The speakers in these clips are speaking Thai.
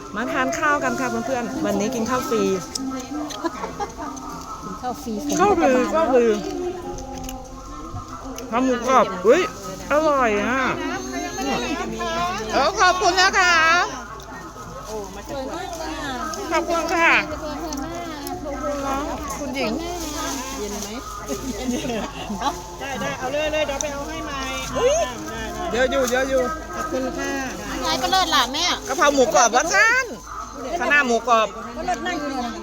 มาทานข้าวกันค่ะเพื่อนๆวันนี้กินข้าวฟรีข้าวฟรีข้าวฟรีทำหมูกรอบอุ้ยอร่อยอ่ะขอบคุณนะคะขอบคุณค่ะคุณหญิงเย็นไหมได้เอาเลยเดี๋ยวไปเอาให้ใหม่เยอะอยู่ขอบคุณค่ะยายก็เลิศล่ะแม่กะเพราหมูกรอบวัดท่านคณะหมูกรอบก็เลิศนั่งอยู่เลย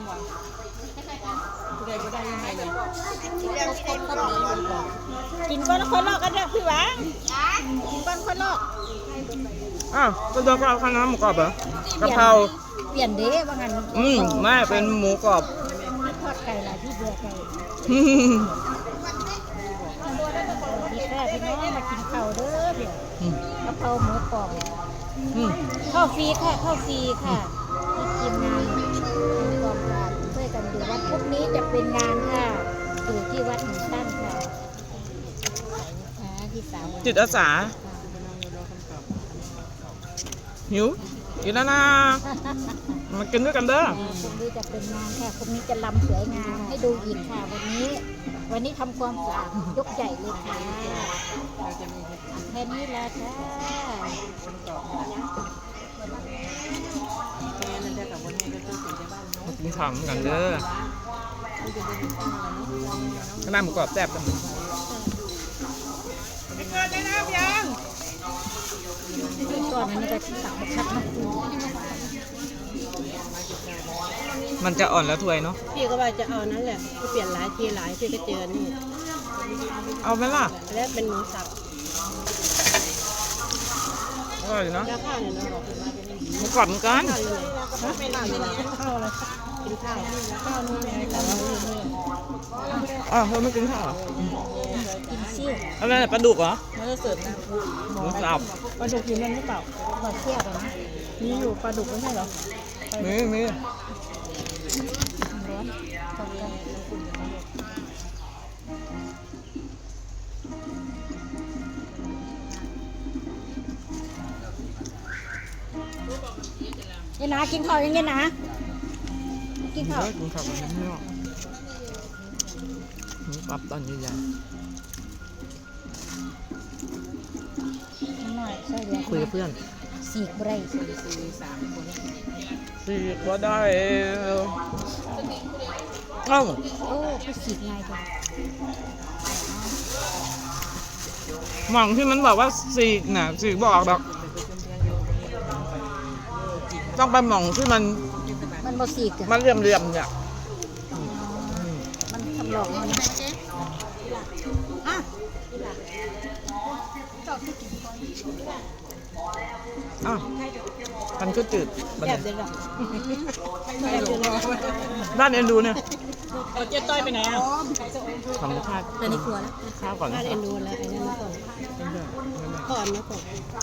กินก้อนคนลอกกันเนี่ยพี่หวานกินก้อนคนลอกก็โดนเอาคณะหมูกรอบเหรอกะเพราเปลี่ยนเด้ว่างั้นไม่เป็นหมูกรอบทอดไก่ละที่เบื่อไก่พี่แค่พี่น้องมากินข้าวเด้อเดี๋ยวกะเพราหมูกรอบข้าวฟรีค่ะข้าวฟรีค่ะทีมงานกองการช่วยกันดูว่าพรุ่งนี้จะเป็นงานค่ะอยู่ที่วัดหนึ่งตั้งค่ะที่สามจิตอาสาหิวกินแล้วนะมากินด้วยกันเด้อพรุ่งนี้จะเป็นงานค่ะพรุ่งนี้จะลำสวยงามให้ดูอีกค่ะวันนี้ทำความสะอาดยกใหญ่เลยค่ะแค่นี้ละค่ะกินของกันเด้อคณะหมูกรอบแซ่บกันเกิดได้แล้วยังก่อนอันนี้ก็ตักบักคักมาคูมันจะอ่อนแล้วถ้วยเนาะพี่ก็ว่าจะเอานั่นแหละเปลี่ยนหลายทีหลายพี่ก็เจอนี่เอาไหมล่ะแล้วเป็นหมูสับอร่อยเนาะแล้วข้าวเนี่ยเราบอกหมูกรอบเหมือนกันไม่ได้เลยข้าวอะไรกินข้าวนู่นไงแต่ว่าเธอไม่กินข้าวกินซิ่วอะไรปลาดุกเหรอไม่ได้เสิร์ฟนะหมูสับปลาดุกอยู่นั่นหรือเปล่าปลาเที่ยวกันนะมีอยู่ปลาดุกไม่ใช่เหรอมียันนะกินข้าวยังไงนะกินข้าวกินข้าวกันนิดนึงปรับตอนใหญ่คุยกับเพื่อนสี่ไร่สี่ก็ได้โอ้ก็สี่ง่ายจังหม่องที่มันบอกว่าสี่น่ะสี่บอกดอกต้องไปหม่องที่มันบ่สีกมันเรียมเนี่ยมันทำหลอกมันมันก็จืดแบบเดียวด้านเอ็นดูเนี่ยเจ๊ต้อยไปไหนอ่ะทำชาติในครัวแล้วข้าวก่อนด้านเอ็นดูแล้วไอ้นั่นก่อนนะก่อน